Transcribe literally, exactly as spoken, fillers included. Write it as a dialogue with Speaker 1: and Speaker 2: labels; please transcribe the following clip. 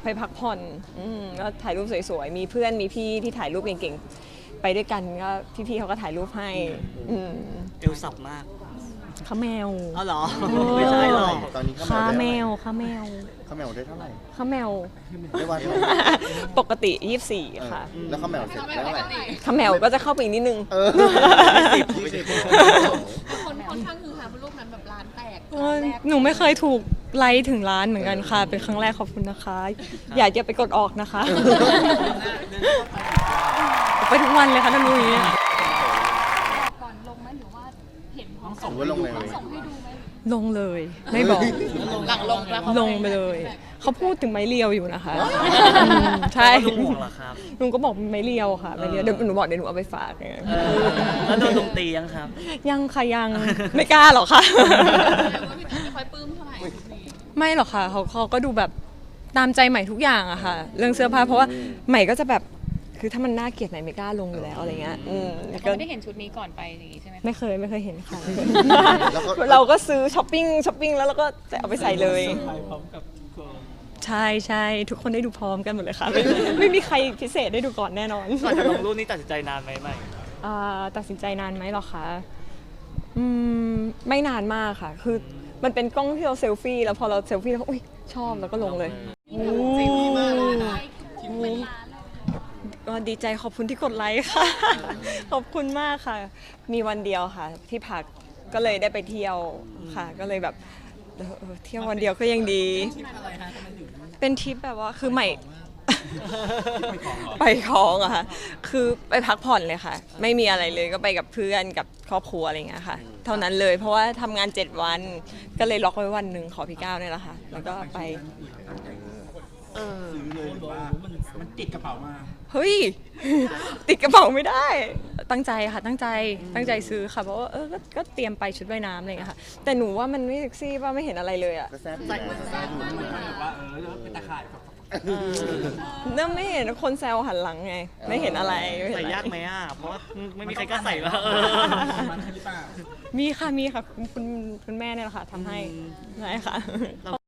Speaker 1: พักผ่อนอืมก็ถ่ายรูปสวยๆมีเพื่อนมีพี่ที่ถ่ายรูปเก่งๆไปด้วยกันก็พี่ๆเขาก็ถ่ายรูปให้อืม
Speaker 2: เอวสับมาก
Speaker 1: ข้าแมว
Speaker 2: อ๋อเหรอไม่ใช่หรอก
Speaker 3: ตอนนี้
Speaker 1: ข้า
Speaker 3: ข้าว
Speaker 1: แม
Speaker 3: แมว
Speaker 1: วข้าแมว
Speaker 3: ข้าวแมวได้เท่าไหร่
Speaker 1: ข้าแมว
Speaker 3: ได้วันเท่าไหร่
Speaker 1: ปกติยี่สิบสี่ค่ะ
Speaker 3: เออแล้วข้าวแมวเสร็จได้เท่าไหร่
Speaker 1: ข้าแมวก็จะเข้าไปอีกนิดนึง
Speaker 3: เออ
Speaker 2: สิบยี่สิบ
Speaker 4: คนค่อนข้างคือหารูปนั้นแบบร้านแตก
Speaker 1: เออหนูไม่เคยถูกไลค์ถึงร้านเหมือนกันค่ะ เป็นครั้งแรกขอบคุณนะคะ อยากจะไปกดออกนะคะ ไปทุกวันเลยค่ะท่านนุ้ย
Speaker 4: ก่อนลงไหมหรือว่าเห็นพร้อม
Speaker 3: ส่งไว้ลงเลย
Speaker 4: ส่งให้ดูไหม
Speaker 1: ลงเลย ไม่บอก
Speaker 4: หลังลงแล้ว
Speaker 1: ลงไปเลย เขาพูดถึงไม้เรียวอยู่นะคะอืมใช่
Speaker 2: ลุงห่วงเหรอครับ
Speaker 1: ลุงก็บอกไม้เรียวค่ะไม้เรียวเดี๋ยวหนูบอกเดี๋ยวหนูเอาไปฝากไง
Speaker 2: เออแล้วโดนลุงตียังครับ
Speaker 1: ยังค่ะยังไม่กล้าหรอกค่ะ
Speaker 4: ว่าพี่เต๋อไม่ค่อยปลื้มเท่าไหร่นี่
Speaker 1: ไม่หรอกค่ะเขาเขาก็ดูแบบตามใจใหม่ทุกอย่างอะค่ะ เรื่องเสื้อผ้าเพราะว่าใหม่ก็จะแบบคือถ้ามันน่าเกลียดใหม่ไม่กล้าลงอยู่แล้วอะไรเงี้ยอืม
Speaker 5: เขา
Speaker 1: ก็
Speaker 5: ไม่ได้เห็นชุดนี้ก่อนไปอย่างงี้ใช่ไหมคะ
Speaker 1: ไม่เคยไม่เคยเห็นค่ะ
Speaker 3: แล้วก็
Speaker 1: เราก็ซื้อช้อปปิ้งช้อปปิ้งแล้วเราก็จะเอาไปใส่เลย ใช่ใช่ทุกคนได้ดูพร้อมกันหมดเลยค่ะ ไม่ไม่มีใครพิเศษได้ดูก่อนแน่นอน
Speaker 2: ก่อนจะลงรูปนี้ตัดสินใจนานไหมใหม่
Speaker 1: อ่าตัดสินใจนานไหมหรอคะอืมไม่นานมากค่ะ คือมันเป็นกล้องที่เราเซลฟี่แล้วพอเราเซลฟี่แล้วก็อุ้ยชอบแล้วก็ลงเลย
Speaker 4: จริงมากเลยนะคิดเป็นล้านเลย
Speaker 1: ก็ดีใจขอบคุณที่กดไลค์ค่ะ ขอบคุณมากค่ะ มีวันเดียวค่ะ ที่พักก็เลยได้ไปเที่ยวค่ะ ก็เลยแบบเออเออเที่ยววันเดียวก็ยังดี เป็นทริปแบบว่าคือใหม่ ไปคลองอะค่ะ คือไปพักผ่อนเลยค่ะ ไม่มีอะไรเลยก็ไปกับเพื่อนกับครอบครัวอะไรอย่างเงี้ยค่ะ เท่านั้นเลยเพราะว่าทำงานเจ็ดวัน ก็เลยล็อกไว้วันหนึ่งขอพี่ก้าวเนี่ยแหละค่ะ แล้วก็ไป
Speaker 2: เออ
Speaker 6: มันติดกระเป๋ามา
Speaker 1: เฮ้ย ติดกระเป๋าไม่ได้ ตั้งใจค่ะตั้งใจตั้งใจซื้อค่ะเพราะว่าเออก็ก็เตรียมไปชุดว่ายน้ำอะไรอย่างเงี้ยค่ะ แต่หนูว่ามันไม่เซ็กซี่ป่ะไม่เห็นอะไรเลยอะ
Speaker 3: ก็แซ่บอยู่นะแซ่บอยู่
Speaker 6: มันแบบว่าเออแล้วเป็นตะข่ายแบบ
Speaker 1: เนื่องไม่เห็นคนแซวหันหลังไง ไม่เห็นอะไรไม่เห็น
Speaker 2: ใส่
Speaker 1: อะไร
Speaker 2: ยากไหมอ่ะ เพราะว่าไม่มีใครกล้าใส่ว่าเออ
Speaker 6: มันหรือเปล่า
Speaker 1: มีค่ะมีค่ะคุณคุณคุณแม่เนี่ยแหละค่ะทำให้ใช่ค่ะ